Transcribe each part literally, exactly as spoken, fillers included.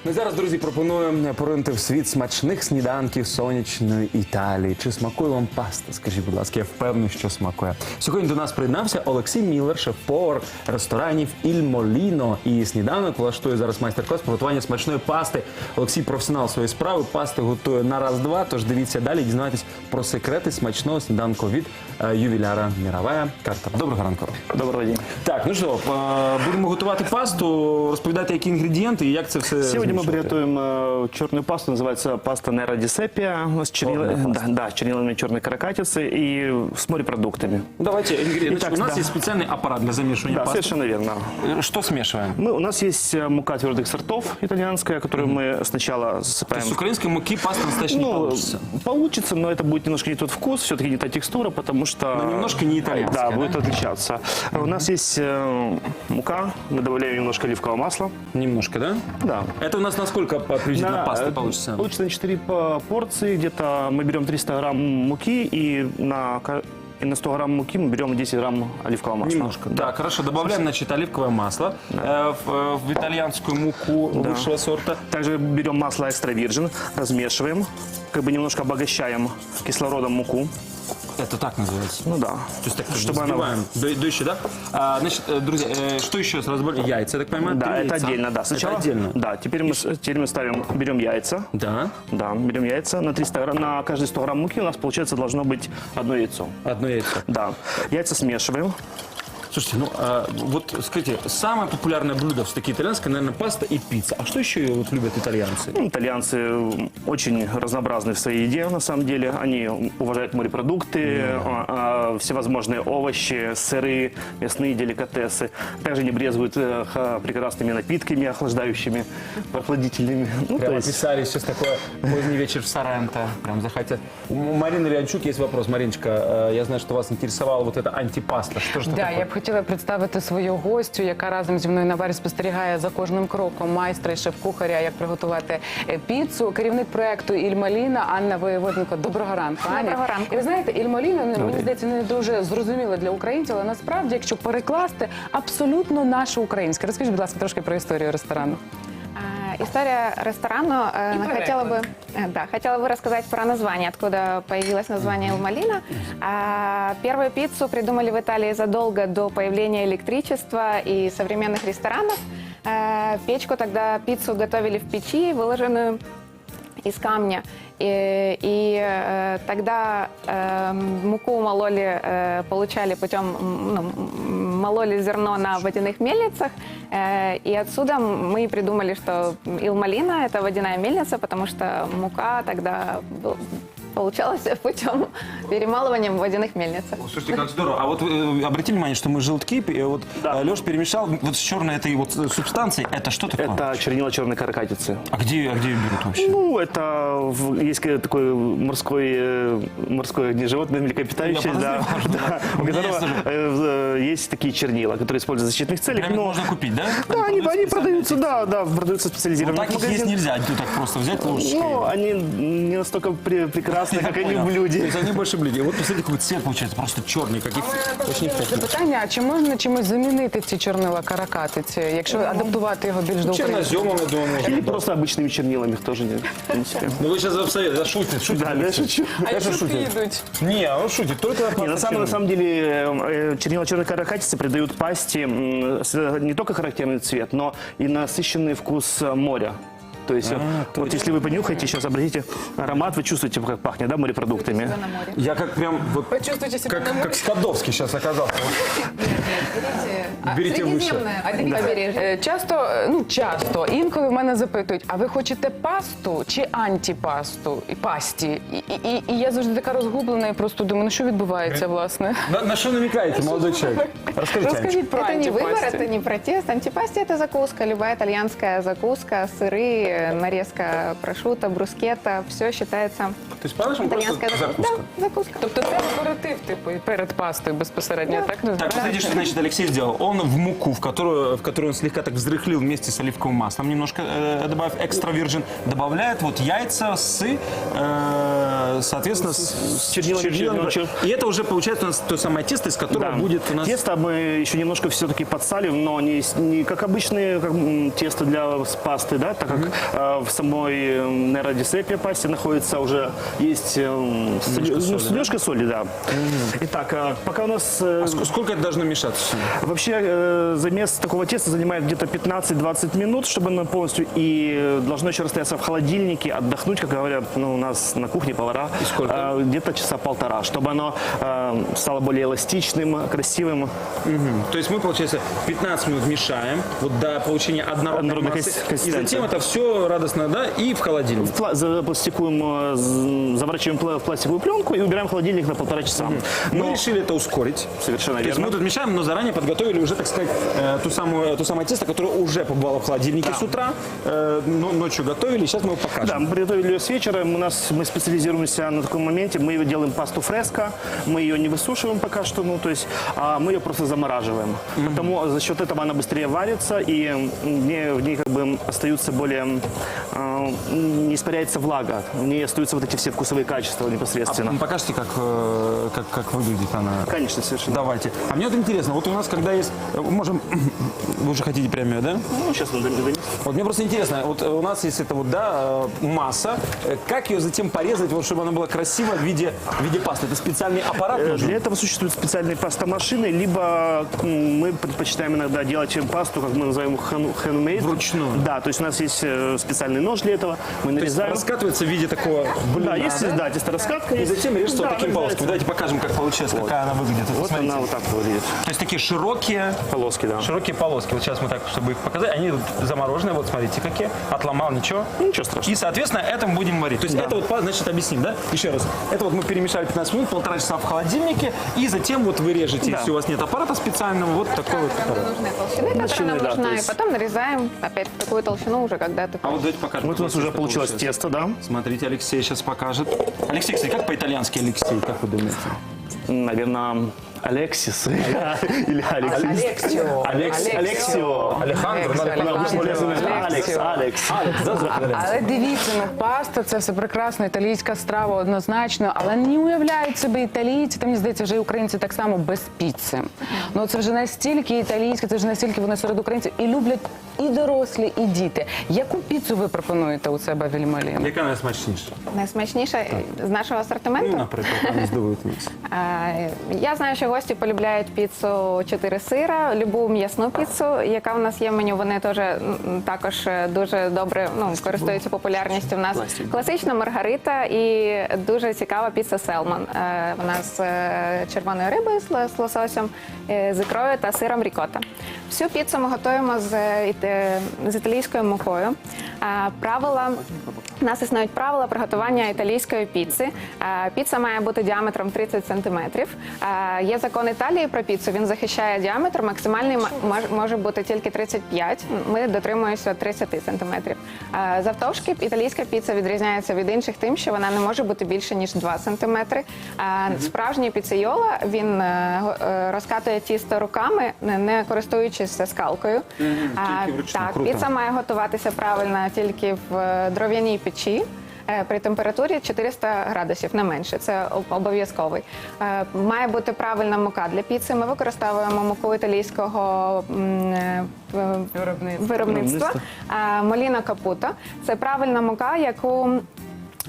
Ну і зараз, друзі, пропоную поринути в світ смачних сніданків сонячної Італії. Чи смакує вам паста? Скажіть, будь ласка, я впевнений, що смакує. Сьогодні до нас приєднався Олексій Міллер, шеф-повар ресторанів «Іль Моліно». І сніданок влаштує зараз майстер-клас приготування смачної пасти. Олексій – професіонал своєї справи, пасти готує на раз-два, тож дивіться далі, дізнайтесь про секрети смачного сніданку від е, ювіляра Міровая Картера. Доброго ранку. Доброго дня. Так, ну що, е, будемо готувати пасту, розповідайте, які інгредієнти і як це все Сегодня мы змішувати. приготовим э, черную пасту, называется паста Nero di Seppia, с, чернил... да, да, с чернилами черной каракатицы и с морепродуктами. Давайте, ингредиенты. Итак, У нас да. есть специальный аппарат для замешивания Да, пасты. совершенно верно. Что смешиваем? Мы, у нас есть э, мука твердых сортов итальянская, которую мы сначала засыпаем. С украинской муки паста настоящая не Ну, получится. получится, но это будет немножко не тот вкус, все-таки не та текстура, потому что... Но немножко не итальянская, Да, да? будет отличаться. У нас есть э, мука, мы добавляем немножко оливкового масла. Немножко, да? Да. Это у нас на сколько приблизительно пасты э, получится? Получится на четыре по- порции, где-то мы берем триста грамм муки и на, ка- и на сто грамм муки мы берем десять грамм оливкового масла. Немножко. Да, хорошо. Добавляем, значит, оливковое масло э, в, э, в итальянскую муку Да. высшего сорта. Также берем масло экстра вирджин, размешиваем, как бы немножко обогащаем кислородом муку. Это так называется. Ну да. То есть так, Чтобы она- взбиваем до, до еще, да? А, значит, э, друзья, э, что еще раз разбавляем? Яйца, я так понимаю? Да, три это яйца. отдельно, да. Сначала, Это отдельно? Да, теперь мы, с- теперь мы ставим, берем яйца. Да. Да, берем яйца. На, триста грамм, на каждые сто грамм муки у нас, получается, должно быть одно яйцо. Одно яйцо. Да. Яйца смешиваем. Слушайте, ну а, вот скажите, самое популярное блюдо все-таки итальянское, наверное, паста и пицца. А что еще вот любят итальянцы? Ну, итальянцы очень разнообразны в своей еде, на самом деле. Они уважают морепродукты, а, а, всевозможные овощи, сыры, мясные деликатесы. Также не брезгуют э, ха- прекрасными напитками, охлаждающими, прохладительными. Ну, Прямо то есть- писали сейчас такой поздний вечер в Соренто. Прям захотят. У Марины Леончук есть вопрос. Мариночка, э, я знаю, что вас интересовала вот эта антипаста. Что же это Да, такое? я б хотіла представити свою гостю, яка разом зі мною на барі спостерігає за кожним кроком майстра і шеф-кухаря, як приготувати е, піцу. Керівник проекту «Іль Моліно» Анна Воєводенко. Доброго ранку, Аня. Доброго ранку. І ви знаєте, «Іль Моліно», ну, мені здається, не дуже зрозуміло для українців, але насправді, якщо перекласти, абсолютно наше українське. Розкажіть, будь ласка, трошки про історію ресторану. А, История ресторану. э, И она проект. хотела бы, э, да, хотела бы рассказать про название, откуда появилось название «Ил Молино». А, Первую пиццу придумали в Италии задолго до появления электричества и современных ресторанов. Э, Печку тогда пиццу готовили в печи, выложенную из камня. И, и э, тогда э, муку мололи, э, получали путем, м, ну, м, мололи зерно на водяных мельницах. Э, и отсюда мы и придумали, что «Ил Молино» — это водяная мельница, потому что мука тогда был- получалась путем перемалывания в водяных мельницах. Слушайте, как здорово. А вот вы обратили внимание, что мы желтки, и вот Да. Леша перемешал вот с черной этой вот субстанцией. Это что такое? Это чернила черной каракатицы. А где, а где ее берут вообще? Ну, это в- есть ка- такой морской, э, морское не животное, млекопитающее, Я да, подозревал, да, у У меня которого есть э, э, есть такие чернила, которые используют в защитных целях. Прям их но- можно купить, да? Да, они, продаются они специально продаются, эти? да, да, продаются в Вот специализированных так их есть магазинах. нельзя, ну так просто взять ложечкой. Ну, они не настолько пре- прекрасны, как они в То блюде. есть они больше блюде. Вот посмотрите, какой цвет получается, просто черный, как и очень вкусный. Запитання, а чи можна чимось замінити ці чорнила каракатиці, якщо адаптувати його більш до українського? Черноземом, я думаю, можно. Или просто обычными чернилами их тоже не, в принципе. Ну вы сейчас абсолютно, да, шутит, шутит. Да, да, шучу. А якщо підуть? Не, он шутит, только Не, на, самом, на самом деле э, чернила черной каракатицы придают пасте м, с- не только характерный цвет, но и насыщенный вкус э, моря. То есть, э, то вот если вы понюхаете, сейчас обратите аромат, вы чувствуете, как пахнет, да, морепродуктами. На море. Я как прям вот Почувствуйте себе как, на море. как Скадовский сейчас оказался. Берите выше. Средиземное А дивіться, побережье. е, часто, е, ну часто, інколи в мене запитують, а ви хочете пасту чи антипасту? І пасті. І, і, і, і я завжди така розгублена і просто думаю, ну що відбувається, власне? На, на что намекаете, молодой человек? Расскажите, Анечка. Розкажіть про Это не выбор, антипасті. это не протест. Антипасти – это закуска, любая итальянская закуска, сыры, э, нарезка прошутто, брускетта, все считается То есть, по-нашему, просто итальянская закуска. Да, закуска. Тобто це аперитив, типу, і перед пастою безпосередньо, так? Так, посмотрите, что значит Алексей сделал. Он в муку, в которую, в которую он слегка так взрыхлил вместе с оливковым маслом, немножко э, добавив экстра вирджин, добавляет вот яйца с э, э, соответственно, с, с чернилами, чернилами. чернил- И это уже получается у нас то самое тесто, из которого Да. будет у нас... Тесто мы еще немножко все-таки подсалим, но не, с- не как обычные как, м, тесто для с пасты, да, так как э, в самой Нера ди Сепи пасте находится уже есть э, соли- соли, ну, с- ложка соли, да. Итак, э, пока у нас э, А ск- сколько это должно мешаться? вообще э, замес такого теста занимает где-то пятнадцать-двадцать минут, чтобы оно полностью и э, должно еще расстояться в холодильнике, отдохнуть, как говорят, ну, у нас на кухне повара. И сколько? Э, где-то часа полтора, чтобы оно э, стало более эластичным, красивым. То есть мы, получается, пятнадцать минут мешаем вот до получения однородной Однородной массы, конси- и консистенции. затем это все радостно, да, и в холодильник. Пла- Запластикуем, э, з- заворачиваем пла- в пластиковую пленку и убираем в холодильник на полтора часа. Мы Но решили это ускорить. совершенно То есть верно. мы тут мешаем, но заранее подготовили уже, так сказать, э, ту самую, то самое тесто, которое уже побывало в холодильнике с утра, э, но- ночью готовили, и сейчас мы его покажем. Да, мы приготовили ее с вечера. У нас мы специализируемся на таком моменте. Мы делаем пасту фреско. Мы ее не высушиваем пока что, ну то есть, а мы ее просто замораживаем. Потому за счет этого она быстрее варится и м, в ней, в ней как бы остаются более э, не испаряется влага, в ней остаются вот эти все вкусовые качества непосредственно. А покажите, как, э, как, как выглядит она. Конечно, совершенно. Давайте. А мне вот интересно, вот у нас когда есть, э, можем, вы уже хотите прямо её, да? Ну, сейчас мы донесем. Вот мне просто интересно, вот э, у нас есть это вот, да, э, масса, Э, как ее затем порезать, вот, чтобы она была красива в виде, в виде пасты? Это специальный аппарат Э, нужен? Для этого существуют специальные пастомашины, либо м, мы предпочитаем иногда делать пасту, как мы называем хэн- handmade. Вручную? Да, то есть у нас есть э, специальный нож для этого, мы То есть нарезаем. раскатывается в виде такого блина, Да, есть, да, тесто-раскатка. И есть. затем режется Да, вот таким нарезается. полосками. Давайте покажем, как получилось, какая она выглядит. Вот, Вот смотрите. она вот так выглядит. То есть такие широкие, Полоски, да. широкие полоски. Вот сейчас мы так, чтобы их показать, они вот замороженные, вот смотрите какие. Отломал, ничего. Ничего страшного. И, соответственно, это мы будем варить. То есть это вот, значит, объясним, да? Еще раз. Это вот мы перемешали пятнадцать минут, полтора часа в холодильнике, и затем вот вы режете, Да. если у вас нет аппарата специального, вот такой вот аппарат. Нужны толщины, которая Толщины, нам да, нужна, то и есть- потом нарезаем опять такую толщину уже, когда ты А вот давайте покажем. Вот у нас какое уже тесто получилось получилось. тесто, да? Смотрите, Алексей сейчас покажет. Алексей, кстати, как по-итальянски Алексей, как вы думаете? Наверное, Алексис или Алексис. Алексио. Алекс- Алексио. Алехандро, надо Алексио, по-английски. Алекс, Алекс. Алекс, да, зробили? Але дивіться, ну паста це все прекрасно, італійська страва однозначно, але не уявляють себе італійці, та мені здається, вже і українці так само без піци. Ну це вже настільки італійське, це вже настільки вони серед українців і люблять і дорослі, і діти. Яку піцу ви пропонуєте у себе в Ільмаліна? Яка найсмачніша? найсмачніша з нашого асортименту. Ну, наприклад, а не здивуйте нас. Е, Я знаю, що гості полюбляють піцу чотири сира, любу м'ясну піцу, яка в нас є в меню. Вони теж м, також е, дуже добре ну, користуються популярністю. У нас класична маргарита і дуже цікава піца селмон. Е, Вона з е, червоною рибою, з ло- з лососем, е, з ікрою та сиром рікота. Всю піцу ми готуємо з, е, іт- з італійською мукою. Е, Правила у нас існують правила приготування італійської піци. Е, Піца має бути діаметром тридцять сантиметрів. Е, Є закон Італії про піцу, він захищає діаметр, максимальний м- мож- може бути тільки тридцять п'ять. Ми дотримуємося тридцять сантиметрів. Е, Завтовшки італійська піца відрізняється від інших тим, що вона не може бути більше, ніж два сантиметри. Е, Справжній піцейола, він е, го- е, розкатує тісто руками, не- не користуючись скалкою. Е, тільки вручну, Так, круто. піца має готуватися правильно тільки в е, дров'яній печі. е, При температурі чотириста градусів, не менше, це об- обов'язковий. Е, Має бути правильна мука для піци. Ми використовуємо муку італійського м, е, в- Виробництва. виробництва. Е, Моліна Капуто. Це правильна мука, яку е,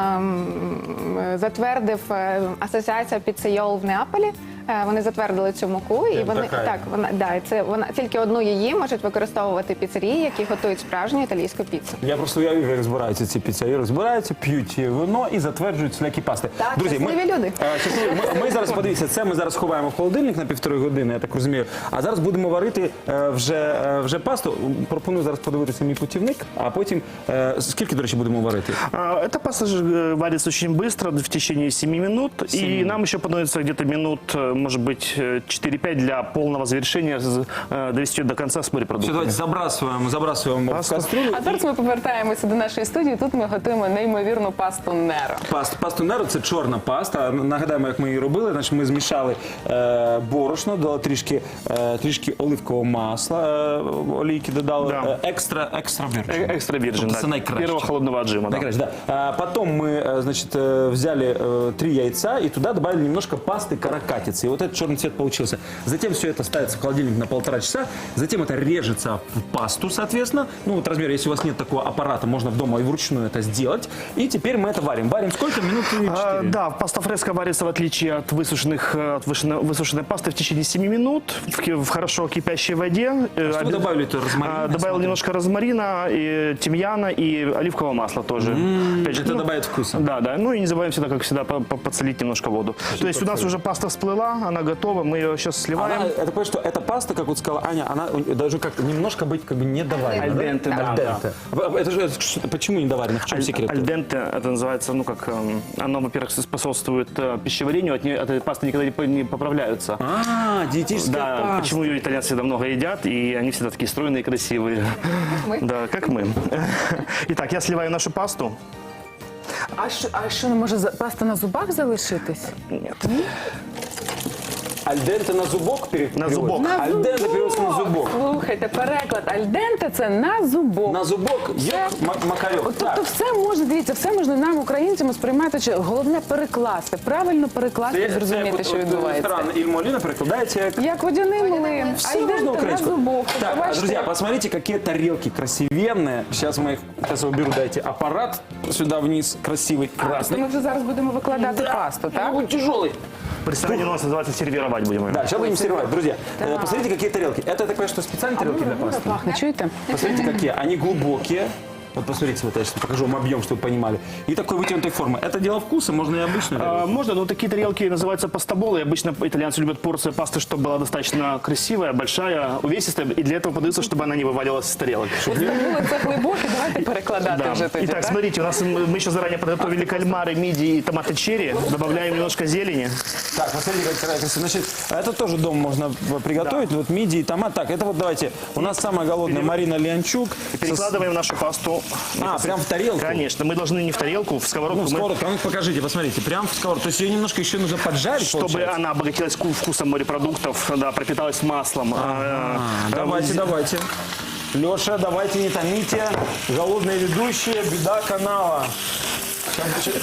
м, затвердив е, Асоціація піцейол в Неаполі. Е, Вони затвердили цю муку, і Прям вони така. так вона да, і це вона тільки одну її можуть використовувати піцерії, які готують справжню італійську піцу. Я просто уявив, як збираються ці піцерії, розбираються, п'ють вино і затверджують всілякі пасти. Так, Друзі, ми, щасливі люди. е, щасливі. Ми, ми зараз, подивіться, це ми зараз ховаємо в холодильник на півтори години, я так розумію. А зараз будемо варити е, вже, е, вже пасту. Пропоную зараз подивитися мій путівник, а потім, е, скільки, до речі, будемо варити? А, Эта паста же э, варится очень быстро, в течение семи минут. И нам еще понадобится где-то минут, э, может быть, четыре-пять для полного завершения, з- э, довести ее до конца с Все, морепродуктами. давайте забрасываем, забрасываем в Пасту. кастрюлю. А зараз ми повертаємося до нашої студії. Тут ми готуємо неймовірну пасту Неро. Паст, пасту Неро – це чорна паста. Нагадаємо, як ми її робили. Значить, ми змішали е, борошно, додали трішки, е, трішки оливкового масла, е, олійки додали, Да. е, екстра, екстра Э, вірджин. Экстра вирджин, Тобто да. це найкраще. Первого холодного отжима, да. Найкраще, да. А потом мы, э, значит, э, взяли э, три яйца и туда добавили немножко пасты каракатицы. И вот этот черный цвет получился. Затем все это ставится в холодильник на полтора часа. Затем это режется в пасту, соответственно. Ну вот размер, если у вас нет такого аппарата, можно дома и вручную это сделать. И теперь мы это варим. Варим сколько? Минут А, четыре. да, паста фреска варится, в отличие от высушенных, э, от высушенной, высушенной пасты, в течение семи минут в, ки- в хорошо кипящей воде. Э, что вы оби- добавили-то? Розмарина, А, я добавил смотрю. немножко розмарина, и тимьяна и оливкового масла тоже. Опять же, Это ну, добавит вкуса. Да, да. Ну и не забываем всегда, как всегда, по- по- подсолить немножко воду. То есть у нас уже паста всплыла, она готова, мы ее сейчас сливаем. Она, это понятно, что эта паста, как вот сказала Аня, она должна как немножко быть как бы недоварена. Аль денте, да, Аль денте. Это же это что- почему недоварена? В чем секрет? Альденте, это называется, ну как, эм, оно, во-первых, способствует э, пищеварению, от, нее, от этой пасты никогда не, по- не поправляются. А, диетическая Да, паста. почему ее итальянцы всегда много едят, и они всегда такие стройные и красивые. Да, как мы. Итак, я сливаю нашу пасту. А що, а що не може за- паста на зубах залишитись? Нет. Альденте на зубок пере- На переводится? зубок. На Альденте переводится на зубок. Слухайте, переклад альденте це на зубок. На зубок є макарьок. От, тобто все можна, дивіться, все можна нам, українцям, сприймати, чи головне перекласти, правильно перекласти і зрозуміти, що відбувається. Ресторан Ильмолина перекладаете як... Як водяний млин, Все можно альденте на украинскую. зубок. Тобто, Так, бачите, друзья, як- посмотрите, какие тарелки красивенные. Сейчас мы их, сейчас я уберу, дайте аппарат сюда вниз, красивый, красный. Ми вже зараз будемо викладати пасту, так? Он тяжелый. В ресторане у нас называется сервировать будем ее. Да, сейчас будем сервировать. Друзья, э, посмотрите, какие тарелки. Это, я так понимаю, что специальные тарелки для пасты? Пахне, чуєте? Посмотрите, какие. Они глубокие. Вот посмотрите, вот я сейчас покажу вам объем, чтобы вы понимали. И такой вытянутой формы. Это дело вкуса, можно и обычную. А, можно, но такие тарелки называются пастаболы. И обычно итальянцы любят порция пасты, чтобы была достаточно красивая, большая, увесистая. И для этого подается, чтобы она не вываливалась из тарелок. Зрозуміло, це глибоке, давайте перекладати Да. вже тоді, Итак, так? смотрите, у нас м- мы еще заранее подготовили кальмары, мидии и томаты черри. Добавляем немножко зелени. Так, посмотрите, как красиво. Значит, это тоже дома можно приготовить. Вот мидии, томат. Так, это вот давайте. У нас самая голодная Марина Леончук. Перекладываем нашу пасту. А, прям в тарелку? Конечно, мы должны не в тарелку, в сковородку. Ну, мы- сковородку, а ну покажите, посмотрите, прям в сковородку. То есть ее немножко еще нужно поджарить, Чтобы получается? она обогатилась ку- вкусом морепродуктов, да, пропиталась маслом. А, А, а, давайте, з- давайте. Леша, давайте не томите. Голодные ведущие, беда канала. Сейчас,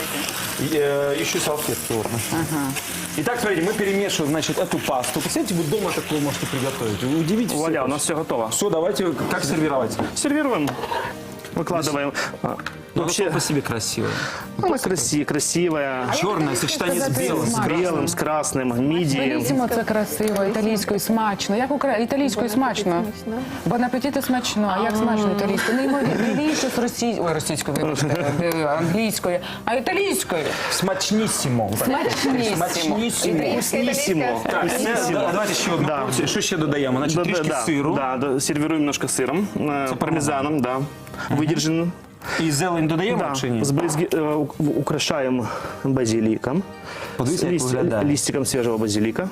И, э, ищу салфетки. Вот. Итак, смотрите, мы перемешиваем, значит, эту пасту. Представляете, вы дома такую можете приготовить. Вы удивитесь. Вуаля, у нас все готово. Все, давайте, как сервировать? Сервируем, выкладываем. А, Вообще, Вообще, по себе красиво. она краси, красивая. Черное сочетание с сказать, белым. С белым, с красным, мидии. Беріть це красиво, італійською смачно. Як укра... італійською смачно? Бон апетіти смачно. А як смачно італійською? Неймовірніше з російською. Ой, російською, вибачте, е, англійською. А італійською? Смачнісімо. Смачнісімо. Смачнісімо. Вкуснissimo. Так, Вкуснissimo. да, давайте ще одну Да. порцію. Що ще додаємо? Значить, Да, трішки да, да. сиру. Да, да, сервируем немножко сыром, э, пармезаном, да, выдержанным. І зелень додаємо Да, чи ні? сбрызги- э, у- украшаем базиликом, Подивіться, як Лист- виглядає. листиком свежего базилика.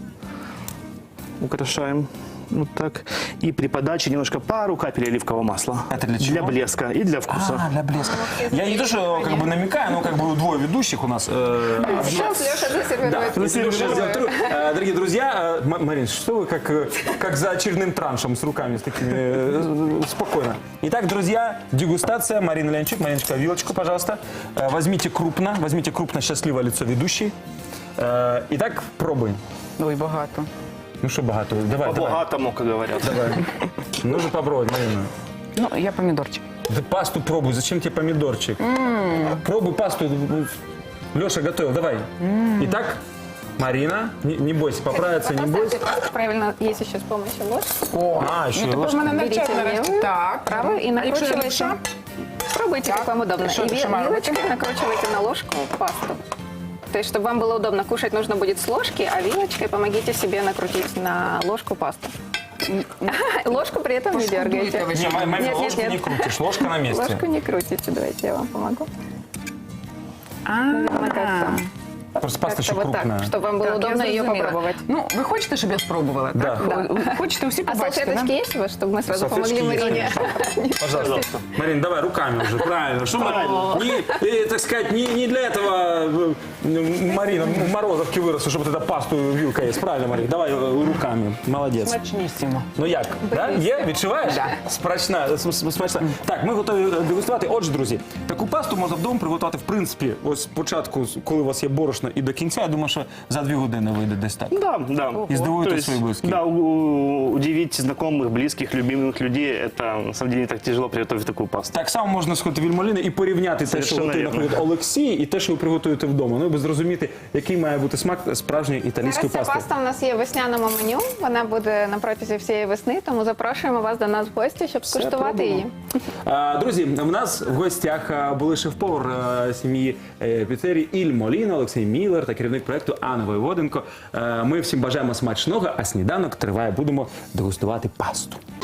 Украшаем. Вот так. И при подаче немножко пару капель оливкового масла. Это для чего? Для блеска и для вкуса. А, для блеска. Я не то, что как бы намекаю, но как бы двое ведущих у нас. э, Сейчас Леша засервирует. Да, если Леша сделает тру- Э, Дорогие друзья, э, М- Марин, что вы как, э, как за очередным траншем с руками с такими? э, Спокойно. Итак, друзья, дегустация. Марина Леончук. Мариночка, вилочку, пожалуйста. Э, Возьмите крупно, возьмите крупно счастливое лицо ведущей. Э, Итак, пробуем. Ой, багато. Ну что богато? Давай, давай. По-богатому, как говорят. Давай. Нужно попробовать, Марина. Ну, я помідорчик. Да пасту пробуй, зачем тебе помидорчик? Пробуй пасту. Леша готовил, давай. Итак, Марина, не, не бойся, поправиться не бойся. Правильно, есть еще с помощью ложки. О, а, еще и Тепер ложка. мене навчать Берите нарешті. левую, Так. правую и А якщо я накручивайте. левша? Пробуйте, как вам удобно. Что И это, ви- Шамара, вилочкой накручивайте на ложку пасту. То есть, чтобы вам было удобно кушать, нужно будет с ложки, а вилочкой помогите себе накрутить на ложку пасту. Ложку при этом не дергайте. Пошкодуйте ви. Не, ма- Марина, Нет, нет, ложку нет. не крутишь, ложка на месте. Ложку не крутите, давайте я вам помогу. А, Наверное, как-то. Просто паста ще Как-то вот крупная. так, чтобы вам было Так, я удобно ее зрозуміла. попробовать. Ну, ви хочете, щоб я спробувала? Да. Так? Да. Ви Хочете усі А побачити? салфеточки да? есть у вас, чтобы мы сразу Салфеточки помогли есть, Марине? Пожалуйста. Марин, давай руками уже, правильно. Что мы, не, э, так сказать, не, не для этого э, Марина Морозовки выросла, чтобы вот эта пасту вилка есть. Правильно, Марин? Давай э, руками. Молодец. Смачнісімо. Ну як? Да? Є? Відчуваєш? Да. Смачна, см- смачна. Так, ми готові е, дегустувати. Отже, друзі, таку пасту можна вдома приготувати, в принципі, ось спочатку, коли у вас є борошно, і до кінця. Я думаю, що за дві години вийде десь так. Да, да. И сдвоите То есть, свои близкие. Да, у- удивить знакомых, близких, любимых людей, это на самом деле не так тяжело приготовить такую пасту. Так само можна сходити в Вільмоліни і порівняти те, що Совершенно готує, вірно. наприклад, Олексій, і те, що ви приготуєте вдома. Ну, аби зрозуміти, який має бути смак справжньої італійської Зараз ця пасти. паста у нас є в весняному меню. Вона буде на протязі всієї весни, тому запрошуємо вас до нас в гості, щоб скуштувати пробуємо. її. А, Друзі, в нас в гостях а, були шеф-повар а, сім'ї е, піцерії Іль Моліно, Олексій Міллер та керівник проєкту Анна Воєводенко. Е, Ми всім бажаємо смачного, а сніданок триває. Будемо дегустувати пасту.